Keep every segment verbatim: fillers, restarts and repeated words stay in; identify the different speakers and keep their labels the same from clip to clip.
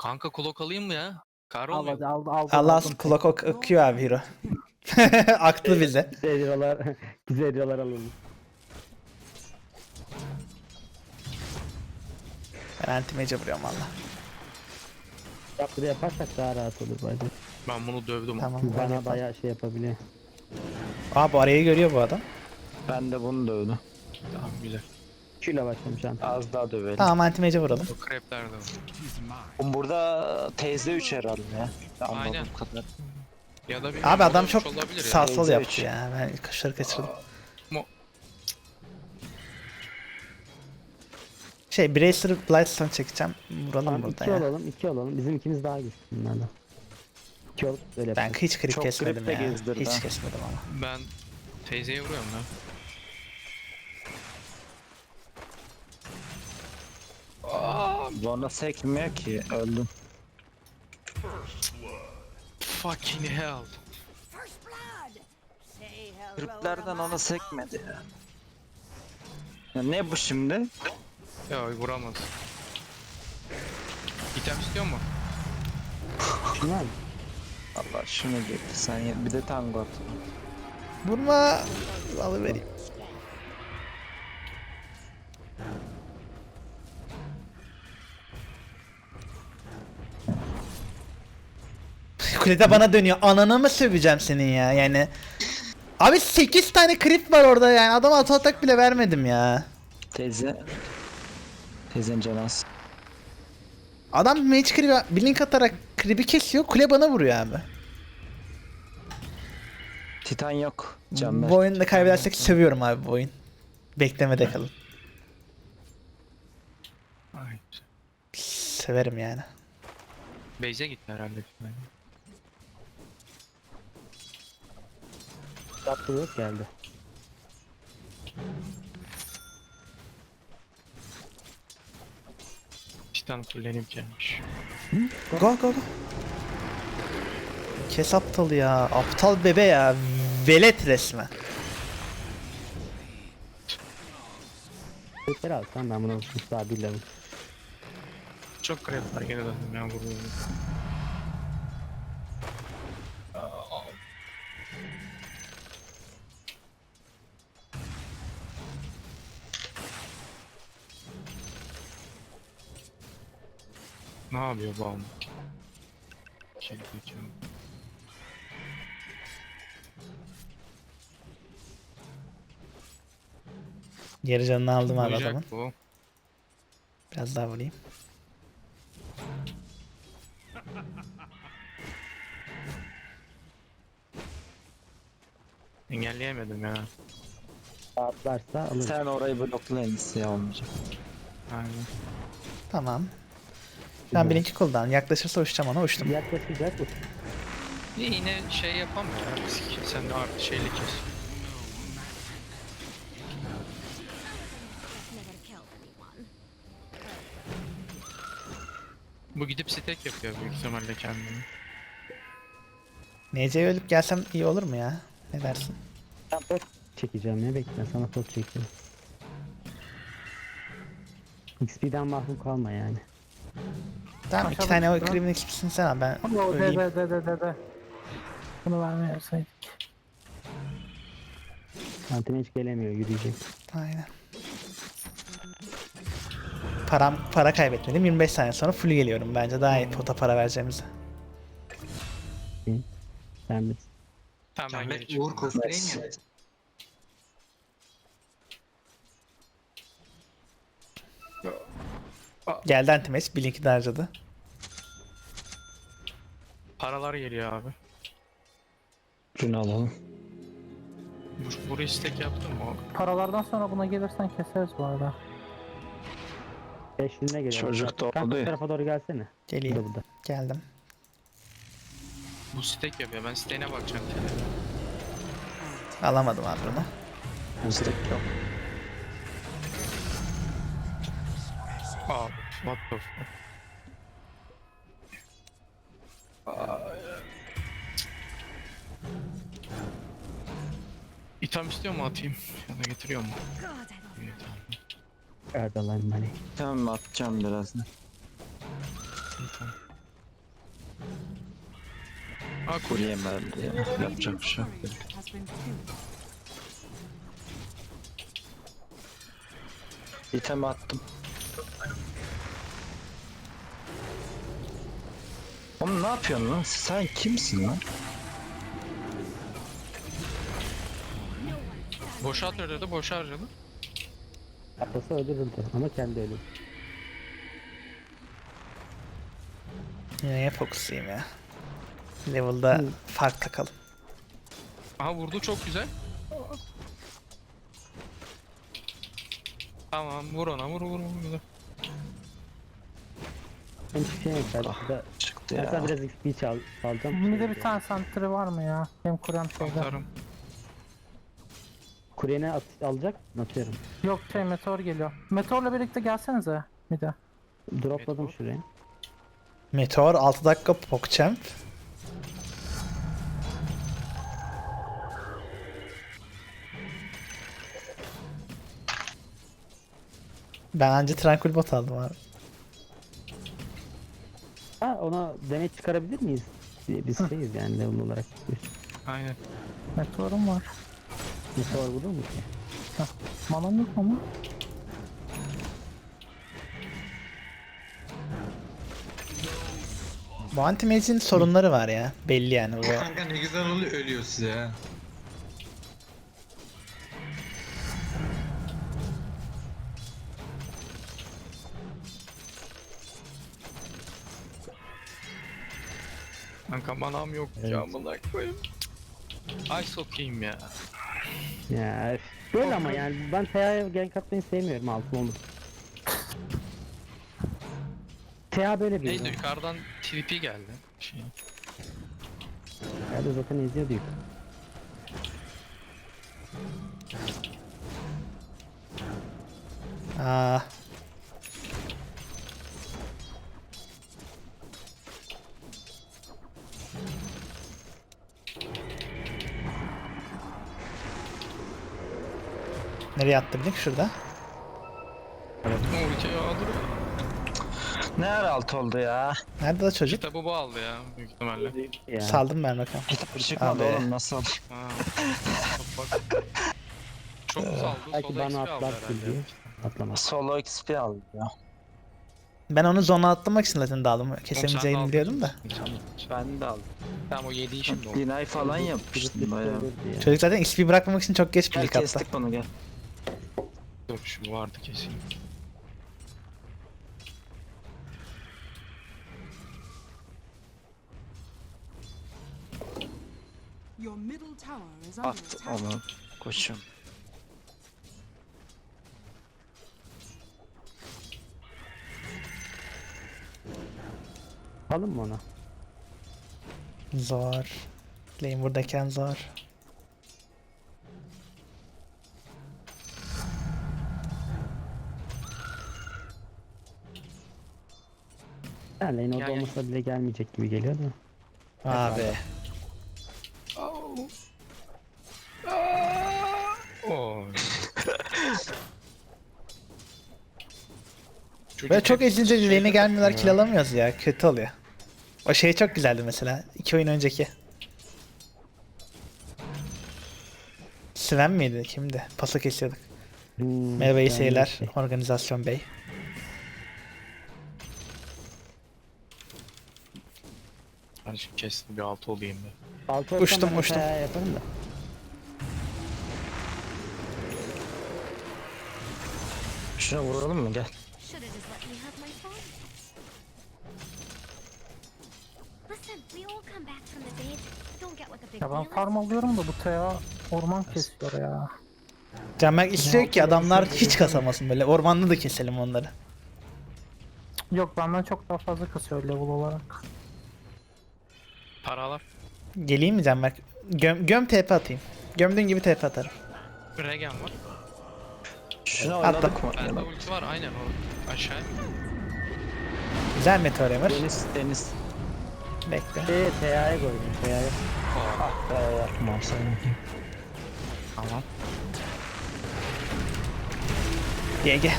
Speaker 1: Kanka kulak alayım mı ya? Kar
Speaker 2: Al
Speaker 1: olmuyor
Speaker 2: hadi
Speaker 1: mu?
Speaker 2: aldı aldı.
Speaker 3: Allah
Speaker 2: aldım.
Speaker 3: kulak ok akıyor abi hero. Aklı bize.
Speaker 2: Güzel hero'lar, güzel hero'lar alalım.
Speaker 3: Ben anti-mage'e vuruyorum valla.
Speaker 2: Yaptırı yaparsak daha rahat olur bence.
Speaker 1: Ben bunu dövdüm.
Speaker 3: Tamam. öyle
Speaker 2: Bana
Speaker 3: yapalım.
Speaker 2: bayağı şey yapabiliyor.
Speaker 3: Aa bu arayı görüyor bu adam.
Speaker 4: Ben de bunu dövdüm.
Speaker 1: Tamam güzel.
Speaker 2: Şuyla başlamış an.
Speaker 4: Az daha dövelim.
Speaker 3: Tamam anti-mage'e vuralım.
Speaker 1: O krepler de var.
Speaker 4: Oğlum burada teyze üç herhalde ya. Anladığım
Speaker 1: Aynen.
Speaker 4: kadar.
Speaker 1: Ya da bir
Speaker 3: Abi adam
Speaker 1: olmuş
Speaker 3: çok
Speaker 1: olabilir ya.
Speaker 3: sağ sol
Speaker 4: Teyze
Speaker 3: yaptı
Speaker 4: üç.
Speaker 3: ya. Ben kaşları kaçırdım.
Speaker 1: Mo-
Speaker 3: Şey Bracer Blightstone çekeceğim. Vuralım
Speaker 2: Tamam
Speaker 3: burada
Speaker 2: iki
Speaker 3: ya.
Speaker 2: olalım, iki olalım. Bizim ikimiz daha güçlü bunlardan. İki olup böyle
Speaker 3: Ben
Speaker 2: yapalım.
Speaker 3: hiç krip
Speaker 4: Çok
Speaker 3: kesmedim
Speaker 4: krip de
Speaker 3: ya.
Speaker 4: gezdirdi
Speaker 3: Hiç
Speaker 4: ha.
Speaker 3: kesmedim ama.
Speaker 1: Ben teyzeye vuruyorum ya.
Speaker 4: Bana sekmiyor ki öldüm.
Speaker 1: Fucking hell.
Speaker 5: First blood. Say hello
Speaker 4: Kriplerden
Speaker 5: to
Speaker 4: ona
Speaker 5: my
Speaker 4: sekmedi ya. Ya ne bu şimdi?
Speaker 1: Ya vuramaz. İtem istiyor mu?
Speaker 2: Şunu al.
Speaker 4: Allah şunu getir sen ye. Bir de tango at.
Speaker 3: Vurma. Alıvereyim. Kulede bana dönüyor. Ananı mı söveceğim senin ya yani. Abi sekiz tane krip var orada yani. Adama auto atak bile vermedim ya.
Speaker 4: Teyze. Teyzen canaz.
Speaker 3: Adam mage creep'e blink atarak creep'i kesiyor. Kule bana vuruyor abi.
Speaker 4: Titan yok. Can ver.
Speaker 3: Bu oyunu da kaybedersek sövüyorum abi bu oyun. Beklemede kalın.
Speaker 1: Ay.
Speaker 3: Severim yani.
Speaker 1: Beyze gitti herhalde.
Speaker 2: Yaptı yok geldi.
Speaker 1: Titan fullenip gelmiş.
Speaker 3: Go go go. Kes aptal ya. Aptal bebe ya. Velet resmen.
Speaker 2: Tekrar al sen ben bunu daha bilerim.
Speaker 1: Çok krep var gene döndüm ya vuruyorum. Ne yapıyor bu adam? Şey diyeceğim.
Speaker 3: Yarı canını aldım abi
Speaker 1: Vuracak
Speaker 3: adamın.
Speaker 1: bu.
Speaker 3: Biraz daha vurayım.
Speaker 1: Engelleyemedim ya.
Speaker 2: Atlarsa alır.
Speaker 4: Sen orayı blokla en iyisi ya olmayacak.
Speaker 1: Aynen.
Speaker 3: Tamam. Ben birinci cooldown. Yaklaşırsa uçacağım ona uçtum.
Speaker 2: Yaklaşacak. uç.
Speaker 1: Yine şey yapamıyor ya. Risk. Sen de artı şeyli kes.
Speaker 5: never killed anyone.
Speaker 1: Bu gidip stack yapıyor büyük ihtimalle kendini.
Speaker 3: N C'ye ölüp gelsem iyi olur mu ya? Ne dersin?
Speaker 2: Ben pot çekeceğim ya bekle sana pot çekeceğim. X P'den mahrum kalma yani.
Speaker 3: Tamam iki tane o krimin X P'sini sen al ben
Speaker 6: Ama o
Speaker 3: öleyim.
Speaker 6: de de de de de. Bunu vermeyeseydik.
Speaker 2: Antene hiç gelemiyor yürüyecek.
Speaker 3: Aynen. Param, para kaybetmedim. yirmi beş saniye sonra full geliyorum. Bence daha iyi pota para vereceğimize.
Speaker 2: Sen de.
Speaker 1: Tamam ben geri
Speaker 7: Uğur
Speaker 1: çıkıyorum.
Speaker 7: cosplay mi yaptın?
Speaker 3: Geldi anti-match. Blink'i de harcadı.
Speaker 1: Paralar geliyor abi.
Speaker 4: Şunu alalım.
Speaker 1: Bu, burayı stack yaptın mı?
Speaker 6: Paralardan sonra buna gelirsen keseriz bu arada.
Speaker 2: Beşliğine geliyor.
Speaker 4: Çocuk da
Speaker 2: Kanka
Speaker 4: oldu
Speaker 2: bu
Speaker 4: ya.
Speaker 2: tarafa doğru gelsene. Burada
Speaker 3: Geleyim.
Speaker 2: burada.
Speaker 3: Geldim.
Speaker 1: Bu stack yapıyor. Ben stack'ine bakacağım.
Speaker 3: Alamadım abi bunu.
Speaker 4: Mızrak yok.
Speaker 1: Abi what the fuck. İtham istiyor mu atayım? Ya da getiriyor mu?
Speaker 5: God, I don't
Speaker 1: İyi, tamam.
Speaker 2: Erdalan money.
Speaker 4: Tamam atacağım birazdan.
Speaker 1: İyi, tamam. Ha kurye.
Speaker 4: Kurye geldi ya. Yapacak bir şey yok. İtem attım. Oğlum ne yapıyorsun lan? Sen kimsin lan?
Speaker 1: Boşa atıyordu, boşa harcadı.
Speaker 2: Atasa öldürüldü ama kendi ölüm.
Speaker 3: Neye fokuslayayım ya? Level'da
Speaker 2: Hı.
Speaker 3: fark takalım.
Speaker 1: Aha vurdu çok güzel. Tamam vur ona vur vur vur. vur.
Speaker 2: Ben hiçbir şey yok.
Speaker 4: Ah,
Speaker 2: Ben
Speaker 4: çıktı
Speaker 2: ben
Speaker 4: ya.
Speaker 2: sana biraz X P çal, çalacağım.
Speaker 6: Bir de bir tane santri var mı ya? Benim kurem şeyde.
Speaker 1: Atarım.
Speaker 2: Kuryene at, alacak mı? Atıyorum.
Speaker 6: Yok şey meteor geliyor. Meteorla birlikte gelsenize bir de.
Speaker 2: Dropladım
Speaker 1: Meteor.
Speaker 2: şuraya.
Speaker 3: Meteor altı dakika PogChamp. Ben anca Tranquil Bot aldım abi.
Speaker 2: Ha ona demet çıkarabilir miyiz? Biz şeyiz yani level olarak.
Speaker 1: Aynen.
Speaker 6: Meteorum var.
Speaker 2: Bir sor bulur mu ki?
Speaker 6: Manam yok ama.
Speaker 3: Bu anti-mage'in sorunları var ya. Belli yani bu.
Speaker 7: Kanka ne güzel oluyor ölüyor size ha.
Speaker 1: Kanka manam yok
Speaker 2: Evet.
Speaker 1: ya amına koyayım. Ay sokayım ya.
Speaker 2: Ya üf. Böyle ama yani ben T A'ya gank atmayı sevmiyorum altın olur. T A böyle bir
Speaker 1: Neydi
Speaker 2: oyun.
Speaker 1: yukarıdan T V P geldi. Şey.
Speaker 2: Ya da zaten izliyordu yük.
Speaker 3: Aa. Nereye attı bildik şurada.
Speaker 1: Ne ultiyi alır.
Speaker 4: Ne ara alt oldu ya?
Speaker 3: Nerede o çocuk?
Speaker 1: Kitabı bu aldı ya büyük ihtimalle.
Speaker 2: Ya.
Speaker 3: Saldım ben bakalım.
Speaker 4: Kitap çıkmadı
Speaker 3: Abi.
Speaker 4: oğlum nasıl?
Speaker 1: Ha. Bak. Çok saldı.
Speaker 2: Belki
Speaker 1: Sola
Speaker 2: bana
Speaker 1: X P aldı
Speaker 2: atlar
Speaker 1: herhalde.
Speaker 2: diye. Atlamaz.
Speaker 4: Solo X P aldı ya.
Speaker 3: Ben onu zona atlamak için zaten daldım.
Speaker 1: Oğlum sen de
Speaker 3: Kesemeyeceğini
Speaker 1: aldın.
Speaker 3: biliyordum da.
Speaker 4: Ben de aldım.
Speaker 1: Tamam o yediği şimdi oldu.
Speaker 4: Deny falan yapmıştım bayağı.
Speaker 3: Çocuk zaten X P bırakmamak için çok geç
Speaker 4: Gel
Speaker 3: birlik attı.
Speaker 4: kestik bunu gel.
Speaker 1: Dur şu vardı kesin.
Speaker 8: Your middle tower is under
Speaker 4: At
Speaker 8: attack.
Speaker 4: onu. Koşun.
Speaker 2: Alın mı ona?
Speaker 3: Zor. Lane buradayken zor.
Speaker 2: Yani lane orada
Speaker 1: Gel, gel.
Speaker 2: olmasa bile gelmeyecek gibi geliyor da.
Speaker 3: Abi.
Speaker 1: Oh. Oy.
Speaker 3: Böyle çok
Speaker 1: hep
Speaker 3: ezilince
Speaker 1: şeyde
Speaker 3: lane'e gelmiyorlar,
Speaker 1: takılıyor
Speaker 3: kill
Speaker 1: ya.
Speaker 3: alamıyoruz ya. Kötü oluyor. O şey çok güzeldi mesela. iki oyun önceki. Sven miydi? Kimdi? Pası kesiyorduk.
Speaker 2: Hmm,
Speaker 3: Merhaba iyi
Speaker 2: ben
Speaker 3: seyirler.
Speaker 2: şey-
Speaker 3: Organizasyon Bey.
Speaker 1: Ben şimdi kestim bir altı olayım da.
Speaker 2: Altı olsam
Speaker 3: Uçtum,
Speaker 2: ben
Speaker 3: uçtum.
Speaker 2: T A yaparım da.
Speaker 4: Şuna vuralım mı gel.
Speaker 5: Should have just let me have my fun. Listen, we all come back from the dead. Don't get like a big
Speaker 6: Ya ben
Speaker 5: wheel.
Speaker 6: farm alıyorum da bu T A orman kesiyor ya.
Speaker 3: Canberk istiyor ki adamlar hiç kasamasın böyle. Ormanda da keselim onları.
Speaker 6: Yok benden çok daha fazla kasıyor level olarak.
Speaker 1: Paralar.
Speaker 3: Geleyim mi Canberk? Göm, göm T P atayım. Gömdüğün gibi T P atarım.
Speaker 1: Regen var.
Speaker 4: Şuna
Speaker 3: Attım.
Speaker 4: oynadık mı?
Speaker 1: Bende ulti var aynen o. Aşağı.
Speaker 3: Güzel Meteor Emir.
Speaker 4: Deniz deniz.
Speaker 3: Bekle.
Speaker 2: Şey, T A'ya koydum. T A'ya.
Speaker 4: Ah be yapmam sen.
Speaker 1: Tamam.
Speaker 3: G G.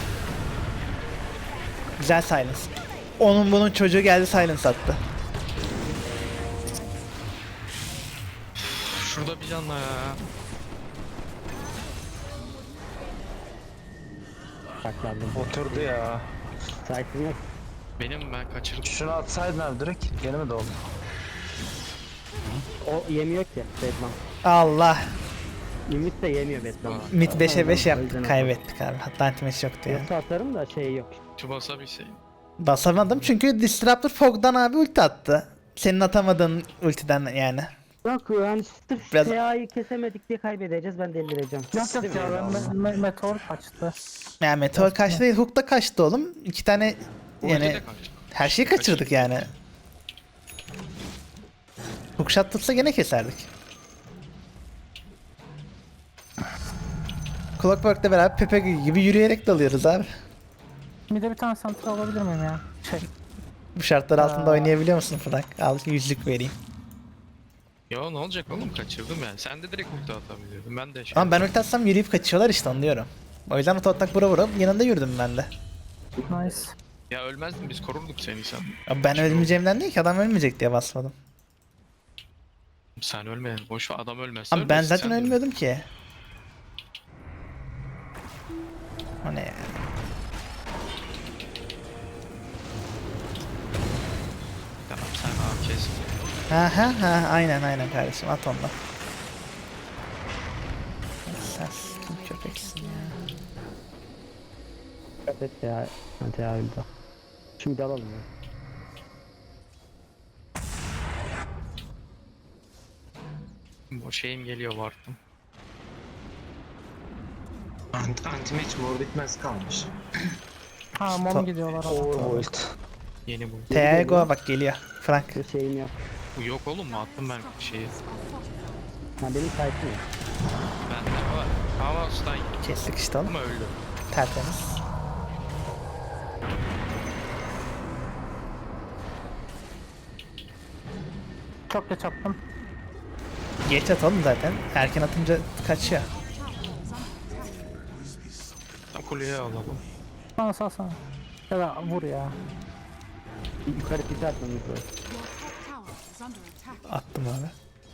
Speaker 3: Güzel silence. Onun bunun çocuğu geldi silence attı.
Speaker 1: Şurada bir canla ya.
Speaker 2: Saklandım.
Speaker 4: Oturdu ya.
Speaker 2: Site'im yok.
Speaker 1: Benim ben kaçırdım.
Speaker 4: Şunu atsaydın abi direkt. Gene mi doldu?
Speaker 2: O yemiyor ki Batman.
Speaker 3: Allah.
Speaker 2: Ümit de yemiyor Batman.
Speaker 3: Mid beşe beş
Speaker 2: O
Speaker 3: yaptık,
Speaker 2: yüzden
Speaker 3: kaybettik abi. Hatta anti-match yoktu ya.
Speaker 2: Yoksa atarım da şey yok.
Speaker 1: Şu basabilseyim.
Speaker 3: Basamadım çünkü Disruptor Fog'dan abi ulti attı. Senin atamadığın ultiden yani.
Speaker 2: Yok yani sırf
Speaker 3: Biraz-
Speaker 2: T A'yı kesemedik diye kaybedeceğiz, ben delireceğim.
Speaker 6: Yok yok ya ben me- me- meteor kaçtı.
Speaker 3: Yani Meteor kaçtı değil, Hook da kaçtı oğlum. İki tane
Speaker 1: Ulti
Speaker 3: yani
Speaker 1: de kaçtı.
Speaker 3: her şeyi kaçırdık yani. Hook shot tutsa gene keserdik. Clockwork'la beraber Pepe gibi yürüyerek dalıyoruz abi.
Speaker 6: Bir de bir tane santra alabilir miyim ya? Şey.
Speaker 3: Bu şartlar altında
Speaker 6: Aa.
Speaker 3: oynayabiliyor musun Frank? Al yüzlük vereyim.
Speaker 1: Ya ne olacak oğlum, kaçırdım yani. Sen de direkt ulti atabiliyordun. Ben de şey.
Speaker 3: Ama ben ulti atsam yürüyüp kaçıyorlar işte, onu diyorum. O yüzden oto atak vura vura yanında yürüdüm ben de.
Speaker 6: Nice.
Speaker 1: Ya ölmezdin, biz korurduk seni sen.
Speaker 3: Abi ben ölmeyeceğimden değil ki, adam ölmeyecek diye basmadım.
Speaker 1: Sen ölmedin. Boş ver, adam ölmezse
Speaker 3: Abi ben
Speaker 1: ölmezsin,
Speaker 3: zaten
Speaker 1: sen de
Speaker 3: ölmüyordum ki. O ne ya?
Speaker 1: Tamam sen abi kes.
Speaker 3: Ha ha ha, aynen aynen kardeşim, at ondan. Sen kim köpeksin ya.
Speaker 2: Evet ya. Ben T A öldü. Şimdi alalım ya.
Speaker 1: Bu şeyim geliyor vardım.
Speaker 7: Ant Anti-match mor bitmez kalmış.
Speaker 6: Ha mom gidiyorlar ama.
Speaker 4: Overworld.
Speaker 1: Yeni bu.
Speaker 3: Teago bak geliyor. Frank.
Speaker 2: Bir şeyim yok.
Speaker 1: Bu yok oğlum mu? Attım ben şeyi.
Speaker 2: Ha benim site'im yok.
Speaker 1: Bende var. Ama stun
Speaker 3: Kestik işte oğlum.
Speaker 1: ama öldü.
Speaker 3: Tertemiz.
Speaker 6: Çok geç attım.
Speaker 3: Geç atalım zaten. Erken atınca kaçıyor.
Speaker 1: Tam kuleye alalım.
Speaker 6: Bana salsana. Ya da vur ya.
Speaker 2: Bir yukarı pite atmamız lazım.
Speaker 8: Your top tower is under attack.
Speaker 3: Attım abi.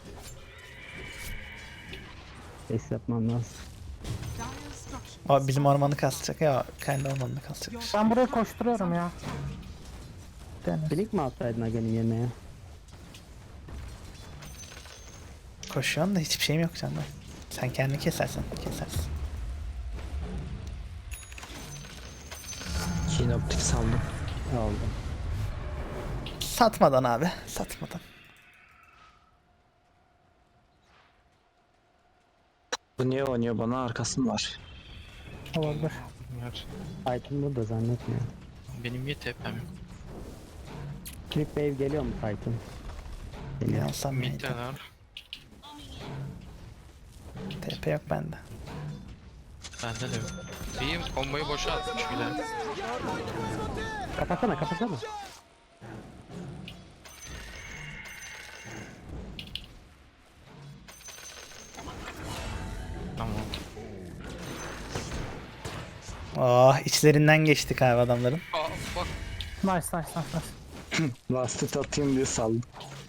Speaker 2: Base yapmam lazım.
Speaker 8: Dire structures.
Speaker 3: O bizim ormanı kasacak ya, kendi ormanını kasacak.
Speaker 8: Your
Speaker 6: Ben buraya koşturuyorum ya. Deniz.
Speaker 2: Blink mi alsaydın Aga'nın yerine ya?
Speaker 3: Koşuyorsun da hiçbir şeyim yok canım. Sen kendini kesersen kesersin.
Speaker 4: Kinoptik saldım.
Speaker 2: Oldu.
Speaker 3: Satmadan abi, satmadan.
Speaker 4: Bu niye oynuyor bana, arkası mı var?
Speaker 6: Olabilir.
Speaker 1: Ver.
Speaker 2: Titan burada zannetmiyorum.
Speaker 1: Benim niye tepem yok?
Speaker 2: Click wave geliyor mu Titan? Geliyor.
Speaker 3: Yansam neydi?
Speaker 1: Middeler.
Speaker 3: T P yok bende.
Speaker 1: Bende de yok. İyiyim, komboyu boşa atmış bile.
Speaker 2: Kapatsana kapatsana.
Speaker 1: Tamam.
Speaker 3: Oh, içlerinden geçtik abi adamların.
Speaker 1: Aa bak.
Speaker 6: Nice nice nice nice.
Speaker 4: Lastit atayım diye saldım.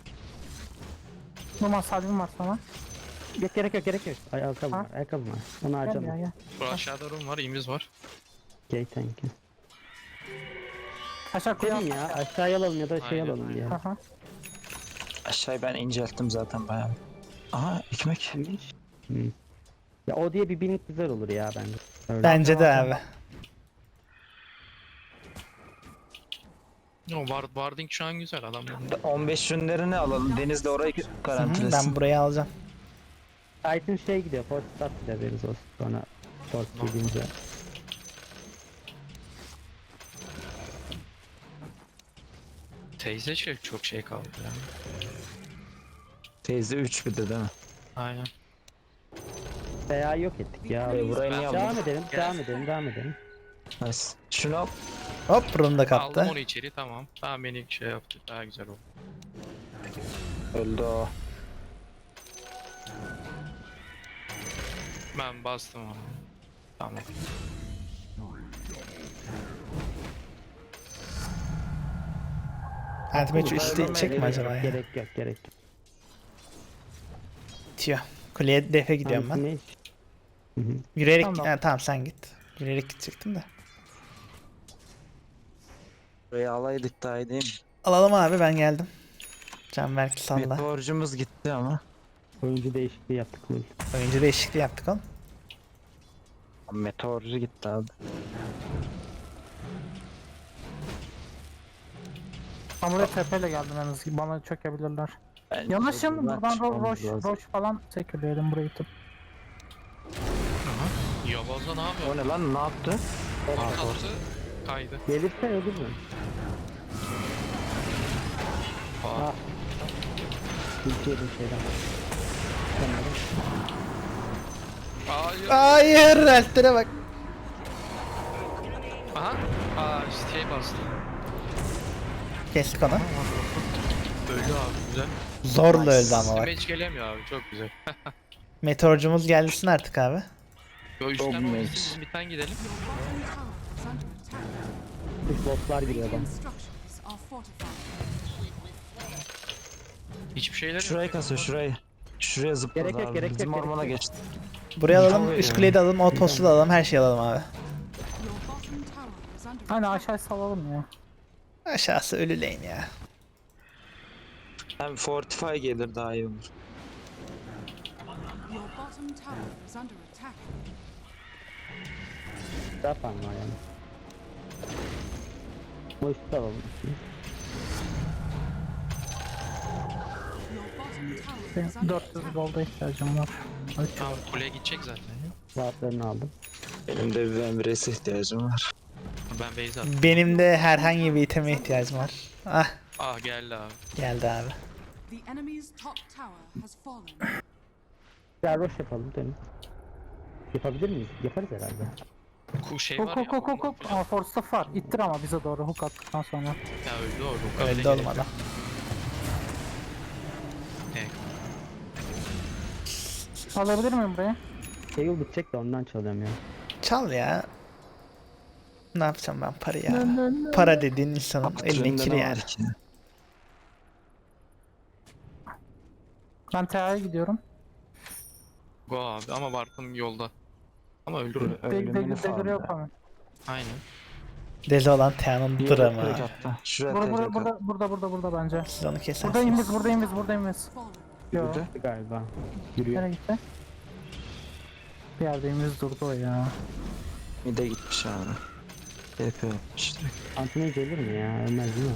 Speaker 6: Numan salvim var sana.
Speaker 2: Yok gerek yok gerek yok. Ay ayakkabı
Speaker 6: Ha?
Speaker 2: var ayakkabı var. Onu
Speaker 6: Gel
Speaker 2: harcama.
Speaker 6: ya gel.
Speaker 1: Bu aşağıda room var, imiz var.
Speaker 2: Okey thank you.
Speaker 6: Aşağı koyalım
Speaker 2: Dedim ya aşağıya alalım ya da şey
Speaker 1: Aynen,
Speaker 2: alalım
Speaker 1: aynen.
Speaker 2: diye.
Speaker 6: Aha.
Speaker 4: Aşağıyı ben incelttim zaten bayağı. Aha ekmek.
Speaker 2: Hı. Ya o diye bir binlik güzel olur ya bence. Öyle.
Speaker 3: Bence de abi.
Speaker 1: O Ward, Warding şu an güzel adam.
Speaker 4: on beş ürünlerini alalım. Deniz de orayı
Speaker 3: Hı hı,
Speaker 4: garantilesin.
Speaker 3: ben burayı alacağım.
Speaker 2: Titan şey gidiyor. Force start bile veririz o sonra. Force gidince.
Speaker 1: Teyze şey çok şey kaldı ya.
Speaker 4: Teyze üç bir de değil mi?
Speaker 1: Aynen.
Speaker 2: Veya yok ettik ya.
Speaker 4: E, burayı niye
Speaker 2: Devam
Speaker 4: aldın?
Speaker 2: edelim, devam edelim, devam edelim.
Speaker 4: Nice. Şunu al.
Speaker 3: Hop, runda
Speaker 1: Aldım
Speaker 3: kaptı.
Speaker 1: onu içeri, tamam. Tamam, beni şey yaptı, daha güzel oldu.
Speaker 4: Öldü o.
Speaker 1: Ben bastım onu. Tamam.
Speaker 3: Anti-match üstü çek mi acaba ya?
Speaker 2: Gerek yok, gerek yok.
Speaker 3: bitiyor. Kuleye defe gidiyorum ben.
Speaker 2: Anti-mage. Hı hı.
Speaker 3: Yürüyerek
Speaker 6: Tamam.
Speaker 3: Ha, tamam sen git. Yürüyerek gidecektim de.
Speaker 4: Burayı alaydık daha iyi değil mi?
Speaker 3: Alalım abi ben geldim. Canberk salla.
Speaker 4: Meteorcumuz gitti ama.
Speaker 2: Oyuncu değişikliği yaptık. Lul.
Speaker 3: Oyuncu değişikliği yaptık oğlum.
Speaker 4: Meteorcu gitti abi.
Speaker 6: Ben buraya tepeyle geldim en azından. Bana çökebilirler.
Speaker 4: Bence
Speaker 6: Yanaşın
Speaker 4: buradan
Speaker 6: buradan ro
Speaker 4: çıkmamız
Speaker 6: roş,
Speaker 4: lazım.
Speaker 6: roş falan çekiliyorum burayı tıp.
Speaker 1: Yabazda ne yapıyor?
Speaker 4: O ne lan, ne yaptı?
Speaker 1: Patlattı. Kaydı.
Speaker 2: Gelirse öldürürüm.
Speaker 1: Aa.
Speaker 2: Ah. Ülke yedim şeyden. Tamam.
Speaker 1: Hayır.
Speaker 3: Hayır, Altlere bak.
Speaker 1: Aha. Aa şey bastı.
Speaker 3: Kestik onu.
Speaker 1: Öldü abi güzel.
Speaker 3: Zorla öldü ama bak.
Speaker 1: Damage gelemiyor abi çok güzel.
Speaker 3: Meteorcumuz gelsin artık abi.
Speaker 1: Yo üstten
Speaker 4: Damage.
Speaker 1: oynasın biz midden gidelim.
Speaker 8: Your bottom tower is under attack.
Speaker 2: Üç botlar giriyor adam.
Speaker 8: Radiant structures are fortified.
Speaker 1: Hiçbir şeyler yok.
Speaker 4: Şurayı kasıyor, şurayı. Şuraya zıpladı
Speaker 2: Gerek yok,
Speaker 4: abi.
Speaker 2: gerek yok,
Speaker 4: Bizim
Speaker 2: gerek
Speaker 4: ormana
Speaker 2: yok.
Speaker 4: geçti.
Speaker 3: Buraya alalım,
Speaker 4: Çok
Speaker 3: üst
Speaker 4: iyi.
Speaker 3: kuleyi de alalım, outpost'u da alalım, her şeyi alalım abi.
Speaker 8: Your bottom tower is under
Speaker 6: Hani
Speaker 8: attack.
Speaker 6: aşağı salalım ya.
Speaker 3: Aşağısı ölü lane ya.
Speaker 4: Hem Fortify gelir daha iyi olur.
Speaker 8: Your bottom tower is under attack.
Speaker 2: Zaten var yani. Bu üstü alalım.
Speaker 8: Your bottom tower is
Speaker 6: Benim
Speaker 8: under
Speaker 6: dört yüz
Speaker 8: attack.
Speaker 6: golda ihtiyacım var. Hadi.
Speaker 1: Tamam kuleye gidecek zaten ya.
Speaker 2: Rahatlarını aldım.
Speaker 4: Benim de bir Emre'ye ihtiyacım var.
Speaker 1: Ben base attım.
Speaker 3: Benim de herhangi bir iteme ihtiyacım var. Ah,
Speaker 1: Ah geldi abi.
Speaker 3: geldi abi.
Speaker 8: The enemy's top tower has fallen.
Speaker 2: Ya roş yapalım dönün. Yapabilir miyiz? Yaparız herhalde.
Speaker 1: Ku şey
Speaker 6: Huk
Speaker 1: var
Speaker 6: huk
Speaker 1: ya.
Speaker 6: huk huk huk. Aa force var. İttir ama bize doğru hook attıktan sonra.
Speaker 1: Ya öldü o. Ruka bile
Speaker 3: Öldü
Speaker 1: gerek
Speaker 3: oğlum
Speaker 1: yok.
Speaker 3: adam.
Speaker 1: Evet.
Speaker 6: Alabilir miyim burayı?
Speaker 2: Şey bitecek de ondan çalıyorum ya.
Speaker 3: Çal ya. Ne yapacağım ben para ya? Para dediğin insanın elinin
Speaker 4: Trende
Speaker 3: kiri
Speaker 4: ne
Speaker 3: yani.
Speaker 4: var ki?
Speaker 6: Ben T A'ya gidiyorum.
Speaker 1: Go abi ama Bartım yolda. Ama öldürür.
Speaker 6: Deg
Speaker 4: Ölümünü
Speaker 6: deg
Speaker 4: falan
Speaker 6: degri yok
Speaker 4: ya.
Speaker 6: ama.
Speaker 1: Aynen.
Speaker 3: Deli olan Tea'nın
Speaker 4: Bir yere
Speaker 3: dramı.
Speaker 4: direkt attı. Şuraya
Speaker 6: Burada burada
Speaker 4: direkt
Speaker 6: burada
Speaker 4: attı.
Speaker 6: burada burada burada bence.
Speaker 3: Siz onu kesersiniz.
Speaker 6: Buradayım biz buradayım biz buradayım biz.
Speaker 8: Fallen.
Speaker 6: Yo.
Speaker 4: Yürüdü.
Speaker 2: Galiba. Yürüyor.
Speaker 6: Nereye gitti? Bir yerdeyim biz durdu o ya.
Speaker 4: Mide gitmiş abi. T P yapmış direkt.
Speaker 2: Anti-mage ölür mü ya? Ölmez değil mi?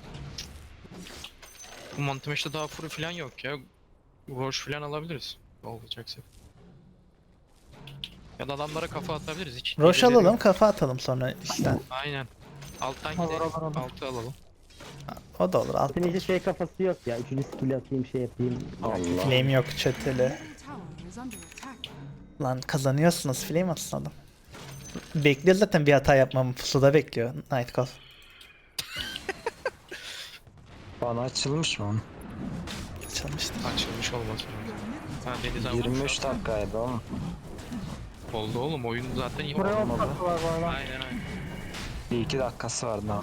Speaker 1: Bu Mantimeş'te daha furu falan yok ya. Roş falan alabiliriz. Olacaksa. Ya da adamlara kafa atabiliriz hiç.
Speaker 3: Roş
Speaker 1: hileli
Speaker 3: alalım,
Speaker 1: yok.
Speaker 3: kafa atalım sonra üstten.
Speaker 1: Aynen. Alttan
Speaker 6: Olur,
Speaker 1: gidelim.
Speaker 6: olur, olur.
Speaker 1: Altı alalım.
Speaker 3: O da olur, alt.
Speaker 2: Anti-mage'e şey kafası yok ya. Üçüncü skill atayım şey yapayım.
Speaker 4: Allah.
Speaker 3: Flame yok çöteli.
Speaker 8: Middle tower is under attack.
Speaker 3: Lan kazanıyorsunuz, flame atsın adam. Bekliyor zaten bir hata yapmamı, pusuda bekliyor Nightcall.
Speaker 4: Bana açılmış mı onun?
Speaker 3: Çalmıştı.
Speaker 1: Açılmış olmaz. Ha Deniz abi
Speaker 4: yirmi üç
Speaker 1: vurmuş abi.
Speaker 4: dakikaydı oğlum.
Speaker 1: Oldu oğlum oyun zaten iyi
Speaker 6: Buraya
Speaker 1: oldu.
Speaker 6: ok atı var bu arada.
Speaker 1: Aynen aynen.
Speaker 4: Bir iki dakikası vardı daha.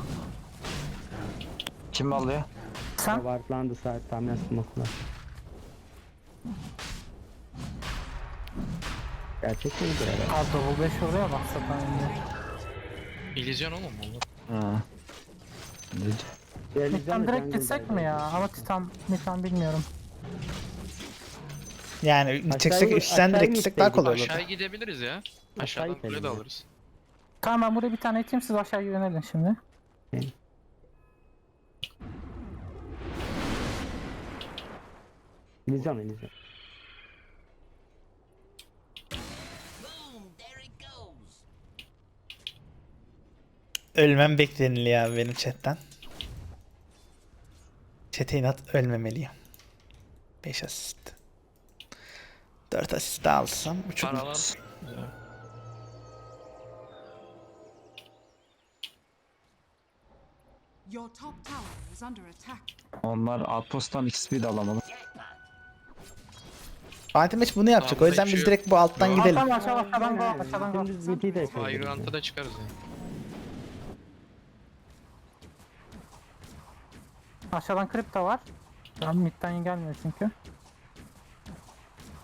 Speaker 4: Kim alıyor?
Speaker 6: Sen?
Speaker 2: Wardlandı saat tahminen smoke'lar. Gerçek miydi herhalde?
Speaker 6: Aa double beş oraya bak zaten indi.
Speaker 1: İllüzyon oğlum onlar.
Speaker 4: Ha. Ne?
Speaker 6: Titan direkt gitsek mi ya? Ama Titan, Titan bilmiyorum.
Speaker 3: Yani gideceksek
Speaker 2: Aşağıya-
Speaker 3: üstten
Speaker 2: aşağıya
Speaker 3: direkt gitsek daha
Speaker 2: gitseydik.
Speaker 3: kolay olur.
Speaker 1: Aşağıya gidebiliriz ya.
Speaker 2: Aşağı
Speaker 1: Aşağıdan kule de
Speaker 2: gidelim ya.
Speaker 1: alırız.
Speaker 6: Tamam ben buraya bir tane iteyim siz aşağıya yönelin şimdi.
Speaker 2: İllüzyon illüzyon.
Speaker 3: Ölmem bekleniliyor abi benim chatten. Chat'e inat ölmemeliyim. beş asist. dört asist daha alsam. üç
Speaker 1: Paralar. Güzel.
Speaker 8: Your top tower is under attack.
Speaker 4: Onlar outpost'tan X P de alamadı.
Speaker 3: Fatih Meç bunu yapacak.
Speaker 1: Tamam,
Speaker 3: O yüzden
Speaker 1: bir
Speaker 3: biz
Speaker 1: şey
Speaker 3: direkt bu alttan
Speaker 1: yok.
Speaker 3: gidelim.
Speaker 6: Tamam aşağı aşağıdan go aşağıdan go.
Speaker 2: Dümdüz B T de yapabiliriz.
Speaker 1: Ayrıntı da çıkarız yani.
Speaker 6: Aşağıdan kripto var. Tamam midden gelmiyor çünkü.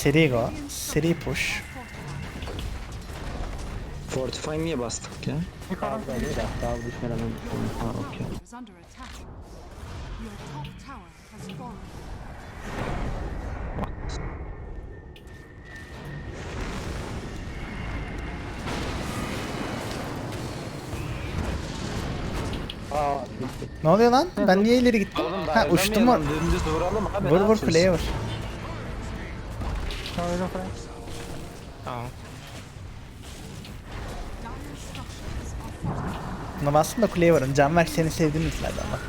Speaker 3: Seri go. Seri push.
Speaker 4: Fortify niye bastık ya?
Speaker 6: Yukarı.
Speaker 2: Daha böyle de daha düşmeden önce.
Speaker 4: Ha okey.
Speaker 8: is under attack. Your top tower has fallen.
Speaker 2: Aa,
Speaker 3: Ne oluyor lan? Ben niye ileri gittim?
Speaker 4: Oğlum
Speaker 3: Ha uçtum mu?
Speaker 4: dayanamıyorum, dümdüz vuralım abi.
Speaker 3: Vur
Speaker 4: ne
Speaker 3: vur
Speaker 4: yapıyorsun?
Speaker 3: kuleye vur.
Speaker 6: Şöyle koy.
Speaker 1: Tamam.
Speaker 8: Dire structures are fortified.
Speaker 3: Buna bastım da kuleye vurun. Canberk seni sevdiğim izlerden bak.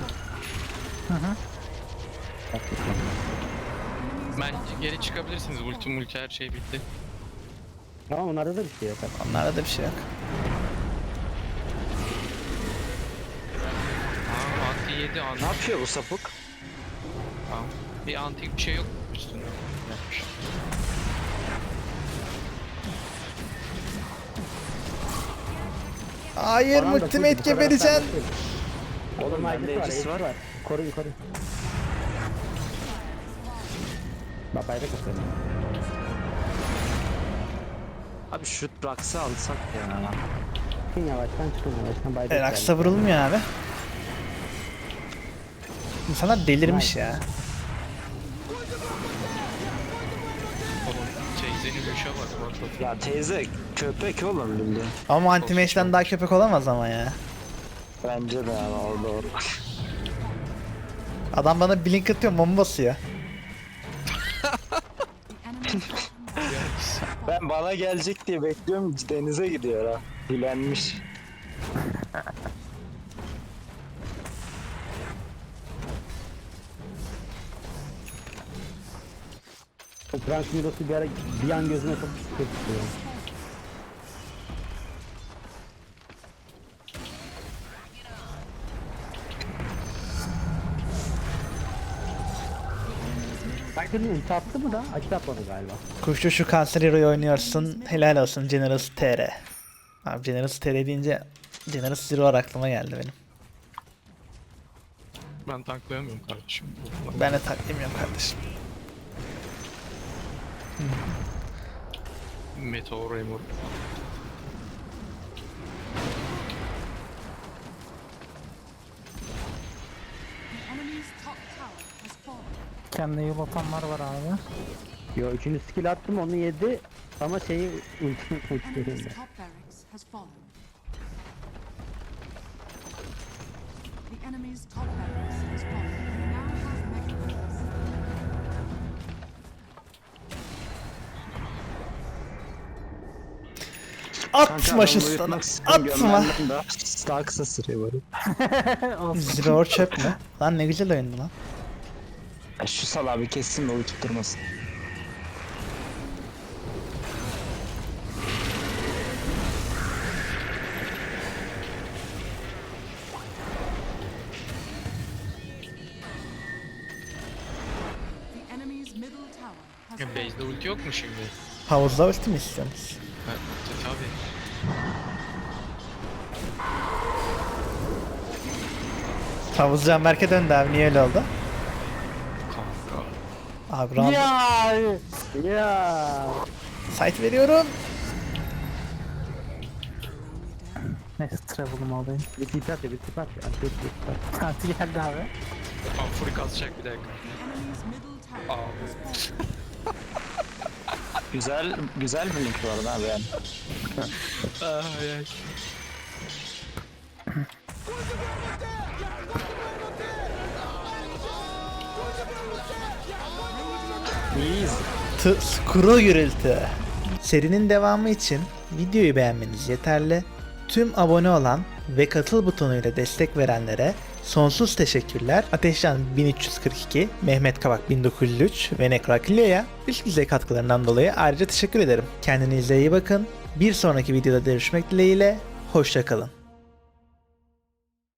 Speaker 1: Bence geri çıkabilirsiniz. Ulti multi her şey bitti.
Speaker 2: Ama onlarda da bir şey yok.
Speaker 3: Onlarda da bir şey yok.
Speaker 1: Aa, anti yedi anti.
Speaker 4: Ne yapıyor bu sapık?
Speaker 1: Tamam. Bir antik bir şey yok üstünde. Yapmış.
Speaker 3: Hayır
Speaker 2: Falan da
Speaker 3: ultimate
Speaker 2: full, bu kadar
Speaker 3: gebereceksin.
Speaker 2: hasar yok.
Speaker 4: Oğlum
Speaker 2: Oğlum
Speaker 4: bende
Speaker 2: aygıtı var,
Speaker 4: Aegis
Speaker 2: aygıtı
Speaker 4: var.
Speaker 2: var. Koru yukarı. Bak bayrak atıyor.
Speaker 4: Abi şu Rax'ı alsak ya.
Speaker 2: Çıkın yavaştan çıkın yavaştan bayrak.
Speaker 3: E, Raksa vurulmuyor abi. İnsanlar delirmiş ya.
Speaker 1: Oğlum teyzenin uşa bak. What the
Speaker 4: Ya teyze köpek oğlum bildi.
Speaker 3: Ama anti-mage'den daha köpek olamaz ama ya.
Speaker 4: Bence de ama o doğru.
Speaker 3: Adam bana blink atıyor, bomba basıyor.
Speaker 8: The enemy's bottom tower has fallen.
Speaker 4: Ben bana gelecek diye bekliyorum denize gidiyor ha. Bilenmiş.
Speaker 2: O Frank Miros'u bir ara bir an gözüme çok kötü tutuyor. Herkesin ulti attı mı da? Açı atmadı galiba.
Speaker 3: Kuşlu şu kanser hero'yu oynuyorsun. Helal olsun Generous T R. Abi Generous T R deyince Generous Zero aklıma geldi benim.
Speaker 1: Ben tanklayamıyorum kardeşim.
Speaker 3: Ben de taklayamıyorum kardeşim.
Speaker 1: Meteor Emor.
Speaker 8: The enemy's top tower has fallen.
Speaker 6: Kendine yol atanlar var abi.
Speaker 2: Yo üçüncü skill attım onu yedi ama şeyi ulti ulti
Speaker 8: Enemy's
Speaker 2: değil.
Speaker 8: top barracks has fallen. The enemy's top barracks has fallen. You now have mega barracks.
Speaker 3: Atma şu sana. Atma.
Speaker 4: Daha kısa sürüyor böyle.
Speaker 3: Zero çöp mü? Lan ne güzel oyundu lan.
Speaker 4: Ya şu salağı bir kessin de uyutup durmasın.
Speaker 8: The enemy's middle tower has
Speaker 1: Ya
Speaker 8: fallen.
Speaker 1: base'de ulti yok mu şimdi?
Speaker 3: Havuzda ulti mi istiyorsunuz?
Speaker 1: Ha, tabii.
Speaker 3: Havuz Canberk'e döndü abi, niye öyle oldu?
Speaker 1: Kanka.
Speaker 3: Abi round
Speaker 6: Ya.
Speaker 2: Ya.
Speaker 3: site veriyorum.
Speaker 6: Neyse travel'ımı alayım.
Speaker 2: Bir tip at ya bir tip at ya. Bir tip at.
Speaker 6: Kanti geldi abi.
Speaker 1: Ampuri kazacak bir dakika.
Speaker 8: The enemy's middle tower
Speaker 1: Aa.
Speaker 8: has fallen.
Speaker 4: Güzel güzel bir link bu arada abi yani.
Speaker 1: Ay ay.
Speaker 4: İyiyiz.
Speaker 3: T Skuru gürültü. Serinin devamı için videoyu beğenmeniz yeterli. Tüm abone olan ve katıl butonuyla destek verenlere sonsuz teşekkürler. Ateşcan bin üç yüz kırk iki, Mehmet Kavak bin dokuz yüz üç ve Nekrakilyo'ya üst düzey katkılarından dolayı ayrıca teşekkür ederim. Kendinize iyi bakın. Bir sonraki videoda görüşmek dileğiyle. Hoşça kalın.